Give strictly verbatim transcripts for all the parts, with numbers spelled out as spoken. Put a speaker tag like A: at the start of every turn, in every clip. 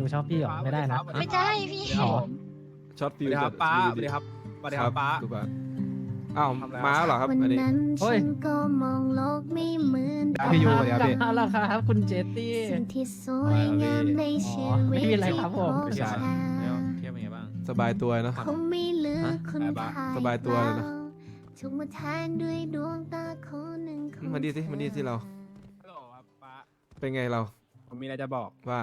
A: ชอบพี่เหรอไม่ได้นะ
B: ไม่ใช่พี่
A: อ๋อ
C: ช็อต
D: ส
C: ฟิ
D: วั
C: ว
D: สดีครับป้าสวัสดีครับสวัสดีครับป้า
C: ถูกปะอ้าว
D: ทำอะไร
C: มาแล้วเหรอครับ
E: วัน
C: อันนี้
E: นั้น
A: เฮ้
E: ฉั
A: ย
E: นก็มองโลกไม่เหมือน
D: ได้พี่ยูสวัสดีครับพี่
A: กลับมาแล้วครับคุณเจตตี้
E: สิ่งที่สวยงามในชี
A: อ๋อ
E: วิ
A: ไม่
E: ต
A: มีอะไรครับผม
E: ของฉัน
F: เที่ยวเป็นไงบ้าง
C: สบายตัวเนาะ
E: คงไม่เหลือคน
D: ฮะ
E: ถ่าย
C: สบายตัวเลยนะ
E: ถูกมาแทนด้วยดวงตาคนหนึ่งของ
C: มาดีสิมาดีสิเรา
D: ฮัลโหลครับป้า
C: เป็นไงเรา
D: ผมมีอะไรจะบอก
C: ว่า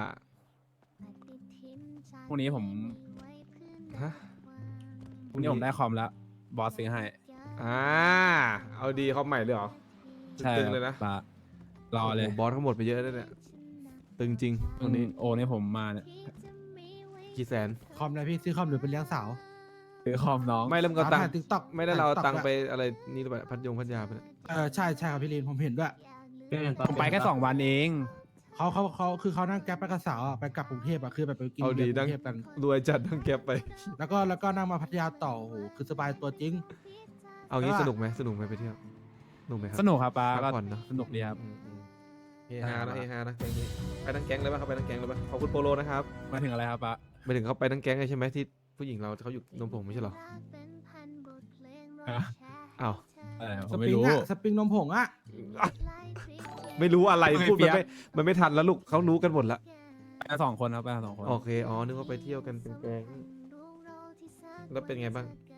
D: พรุ่งนี้ผม
C: ฮะ
D: พรุ่งนี้ผมได้คอมแล้ว บอสซื้อให้
C: อ่าเอาดีเขาใหม่เลยเหรอ
D: ใช่
C: ตึงๆเลยนะ
D: ป้ารอเลย
C: โโหบอสเขาหมดไปเยอะแล้วเนี่ยตึงจริงตรงนี้
D: โอ้นี่ผมมาเนี่ย
C: กี่แสน
G: คอมเลยพี่ซื้อคอมหรือเป็นเลี้ยงสาว
D: ซื้อคอมน้อง
C: ไม่เริ่มก็ตังค์
G: ติ๊กต็อก
C: ไม่ได้เราเอาตังค์ไปอะไรนี่หรือเปล่าพัดยงพัทยาไปเนี่ย
G: เออใช่ใช่ครับพี่ลีนผมเห็นด้วย
D: ผมไปแค่สองวันเอง
G: เขาเขาเขาคือเขานั่งแก๊ปไปกับสาวอะไปกลับกรุงเทพอะคือแบบไปกิน
C: เอา
G: เบี
C: ดี
G: ยร์ก
C: ดั
G: รุ
C: ง
G: งเทพกัน
C: รวยจัดทั้งแก็บไป
G: แล้วก็แล้วก็นั่งมาพัทยาต่อโอ้โหคือสบายตัวจริง
C: เอางี้
G: ใช่ปะ
C: สนุกไหมสนุกไหมไปเที่ยวสนุกไหมครับ
D: สนุกครับป้า
C: พัก
D: ก็
C: ผ่อนเนอะ
D: สนุกดีครับ
C: อืมอืมเฮฮานะเฮฮานะแก๊งนี้ไปทั้งแก๊งเลยป่ะครับไปทั้งแก๊งเลยป่ะขอบคุณโปโลนะครับ
D: มาถึงอะไรครับป้า
C: ไปถึงเขาไปทั้งแก๊งเลยใช่ไหมที่ผู้หญิงเราเขาอยู่นมผงไม่ใช่เหรอ
D: อ่ะ
C: อ้าว
D: อะไรผ
G: ส
D: ม
G: ป
D: ไม่
G: ริง
D: รู้
G: อะสปริงนมผงอะ
C: ไม่รู้อะไร
D: ไม่
C: พูด
D: เปี๊
C: มัน
D: ยก
C: ไม่มันไม่ทันแล้วลูกเขารู้กันหมดละ
D: ไปกันสองคนครับไปกันสองคน
C: โอเคอ๋อนึกว่าไปเที่ยวกันเป็นแก๊งแล้วเป็นไงบ้าง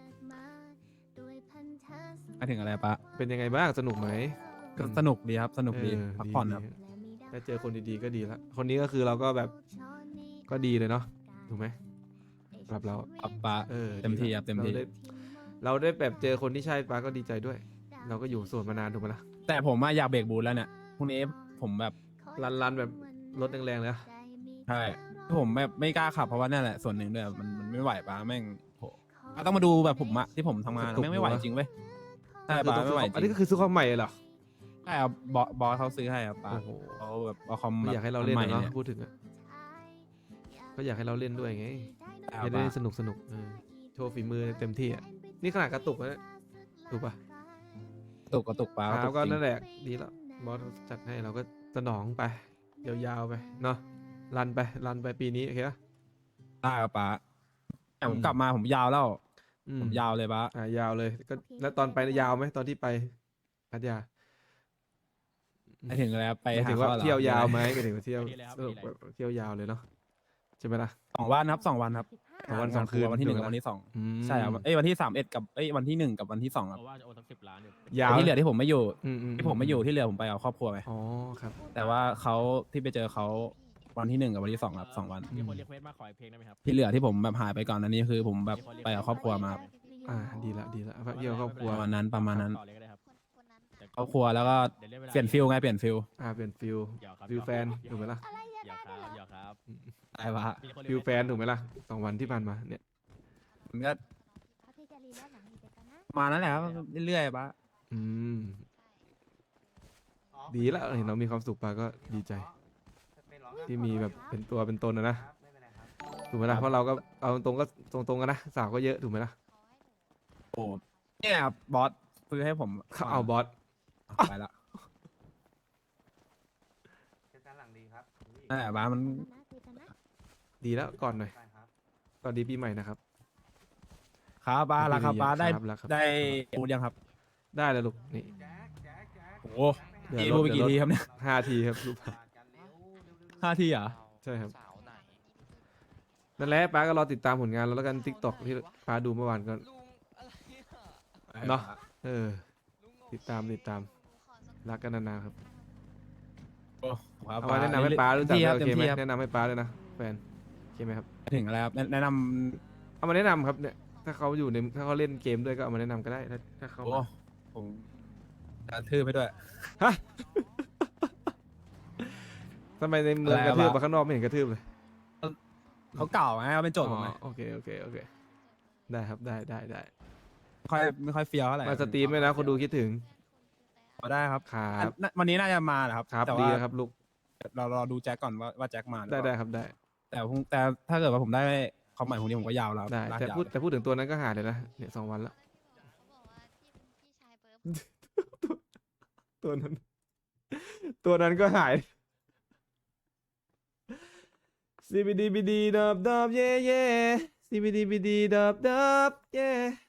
D: มาถึงอะไรป้า
C: เป็นยังไงบ้างสนุกไหม
D: ก็สนุกดีครับ สนุกดี
C: เออ
D: พักผ่อนครับ
C: ดีถ้าเจอคนดีๆก็ดีละคนนี้ก็คือเราก็แบบก็ดีเลยเนาะถูกไหมสำหรับเรา
D: ครับป้า
C: เออ
D: เต็มที่ครับเต็มที่
C: ราได้เราได้แบบเจอคนที่ใช่ป้าก็ดีใจด้วย เราก็อยู่โสดมานานถูกไหมล่ะ
D: แต่ผมอะอยากเบรกบูทแล้วเนี่ยพรุ่งนี้ผมแบบ
C: รันรันแบบรถแรงๆเลยอะ
D: ใช่ผมแบบไม่กล้าขับเพราะว่านั่นแหละส่วนหนึ่งด้วยมันมันไม่ไหวป้าแม่งโหป้าต้องมาดูแบบผมอะที่ผมทำงานอะแม่งไม่ไหวจริงเว้ยใช่
C: คือ
D: ป้า
C: ต้อง
D: ไม่ไหวจ
C: อัน
D: ริ
C: นี้
D: ง
C: ก็คือซื้อความใหม่เลยเหรอ
D: ใช่ครับบอสบอสเขาซื้อให้ครับป้า
C: โอ้โห
D: เขาแบบเอาคอม
C: ไม่
D: แบบ
C: อยากให้เราเล่น
D: ใหม่
C: อะเนาะ
D: เนี่ย
C: พูดถึงอะก็อยากให้เราเล่นด้วยไง
D: ใช่
C: จะ
D: ป้า
C: ได้สนุกสนุกเออโชว์ฝีมือเต็มที่อะนี่ขนาดกระตุกแล้วเนี่ยถูกปะ
D: ตุกก็ตุกป้า
C: ครับ
D: ตุ
C: ก็
D: จริง
C: นั่นแหละดีแล้วบอสจัดให้เราก็สนองไปยาวๆไปเนาะรันไปรันไปปีนี้โอเคปะ
D: ได้ครับป้าแต่ผ
C: อื
D: ม
C: ม
D: กลับมาผมยาวแล้ว
C: อื
D: ผมยาวเลยป้า
C: อ่ายาวเลยก็แล้วตอนไปยาวไหมตอนที่ไปพัทยา
D: ไปถึงแล้วไป
C: หมาย
D: หา
C: ถึงว่า
D: ขหรอ
C: เที่ยวยาวไหมหมายถึงว่าเที่ยว
F: ดีเลยครับ
C: สรุป
F: ดีเลย
C: แบบเที่ยวยาวเลยเนาะใช่ไหมล่ะ
D: สองวันครับสองวันครับ
C: สองวันสองคืน
D: วันที่หนึ่ง
C: ถู
D: กับ
C: กไหม
D: วันที่สอง
C: อืม
D: ใช่ครับเอ้ยวันที่สามเอ็ดกับเอ้ยวันที่หนึ่งกับวันที่สองครับ
F: เพราะว่าจะโอนสักสิบล้านอยู่
C: ยาว
D: ที่เหลือที่ผมไม่อยู่
C: อืมอื
D: ที่ผมไม่อยู่ที่เหลือผมไปกับครอบครัวไง
C: อ๋อครับ
D: แต่ว่าเขาที่ไปเจอเขาวันที่หนึ่งกับวันที่สองครับสองวัน
F: มีคนเรียกเควสมาขออีกเพลงได้ไหมครับ
D: ที่เหลือที่ผมแบบหายไปก่อนอันนี้คือผมแบบไปกับครอบครัวมาครับ
C: อ่าดีละดีละพักเที่ยวครอบครัว
D: ประมาณนั้นประมาณนั้น
F: ต่อเลยก็ได้ครับ
D: ครอบครัวแล้วก็
F: เดี๋ยวเรียกเวลา
D: เปลี่ยนฟิลไงเปลี่ยนฟิล
C: อ่าเปลี่ยนฟิล
F: หยอกครับ
C: ฟิลแฟนถูกไหมล่ะ
F: หยอกครับหยอกครับ
D: อะไรวะ
F: มีคนเรียก
C: ฟิลแฟนถูกไหมล่ะสองวันที่ผ่านมาเนี่ย
D: มันก็ประมาณนั้นแหละครับเรื่อยๆปะ
C: อืมดีละเห็นเรามีความสุขปาก็ดีใจ ที่มีแบบเป็นตัวเป็นตนนะนะถูกไหมล่ะเพราะเราก็เอาตรงๆก็ตรงๆกันนะสาวก็เยอะถูกไหมล่ะ
D: โอ้เนี่ยครับบอสซื้อให้ผม
C: เอาบอส
D: ไปละนั่นแหละบ้ามัน
C: ดีแล้วก่อนหน่อยก่อนดีปีใหม่นะครับ
D: ครับบ้าละครับบ้าได้
C: ครับแล้วครับ
D: ได้พูดยังครับ
C: ได้แล้วลูกนี่
D: โอ้โห
C: เดี๋ยว
D: กี่
C: ล
D: พู
C: ด
D: ดไป
C: เดี๋ยวลด
D: กี่ทีครับเนี่ย
C: ห้าทีครับลูก
D: ห้าทีเหรอ
C: ใช่ครับนั่นแหละป้าก็รอติดตามผลงานแล้วแล้วกันทิกตอกที่ป้าดูเมื่อวานก็ เนาะ เออ ติดตามติดตามรักกันนานๆครับ
D: โอ้ครับ
C: เอาไว้แนะนำให้ป้ารู้จัก
D: เต็มที่ครับ
C: โอ
D: เต็
C: เค
D: ม
C: ไหม
D: ที่ครับ
C: แนะนำให้ป้าเลยนะแฟนโอเคไหมครับ
D: ถึงอะไรครับแนะแนะน
C: เอามาแนะนำครับเนี่ยถ้าเขาอยู่ในถ้าเขาเล่นเกมด้วยก็เอามาแนะนำก็ได้ถ้าถ้า
D: ำ
C: เขา
D: โอ้ผมกระทืบไปด้วย
C: ทำไมในเมือง
D: อะไร
C: กระทืบ
D: วะ
C: มาข้างนอกไม่เห็นกระทืบเลย
D: เขาเก่าไงเขาเป็นโจทย์ผมไง
C: อ๋อโอเคโอเคโอเคได้ครับได้ได้ได้
D: ไม่ค่อยไม่ค่อยเฟี้ยวเท่าไหร่
C: มาสตรีมด้วยนะคนดูคิดถึง
D: เอาได้ครับ
C: ครั
D: อัน
C: บ
D: น่ะวันนี้น่าจะมาแหละครับ
C: ครับ
D: แต่
C: ดี
D: ว่า
C: นะครับลูก
D: เรารอดูแจ็คก่อนว่าว่าแจ็คมาหรือ
C: ได้
D: เป
C: ได้
D: ล่า
C: ครับได้
D: แต่พรุ่งแต่ถ้าเกิดว่าผมได้คอมใหม่พรุ่งนี้ผมก็ยาวแล้ว
C: ได้
D: ลาก
C: แต่
D: ยาว
C: พูด
D: เลย
C: แต่พูดถึงตัวนั้นก็หายเลยนะเนี่ยสองวันแล้ว ตัวนั้น ตัวนั้นก็หายซีบีดีบีดีดับดับเย่เย่ซีบีดีบีดีดับดับเย่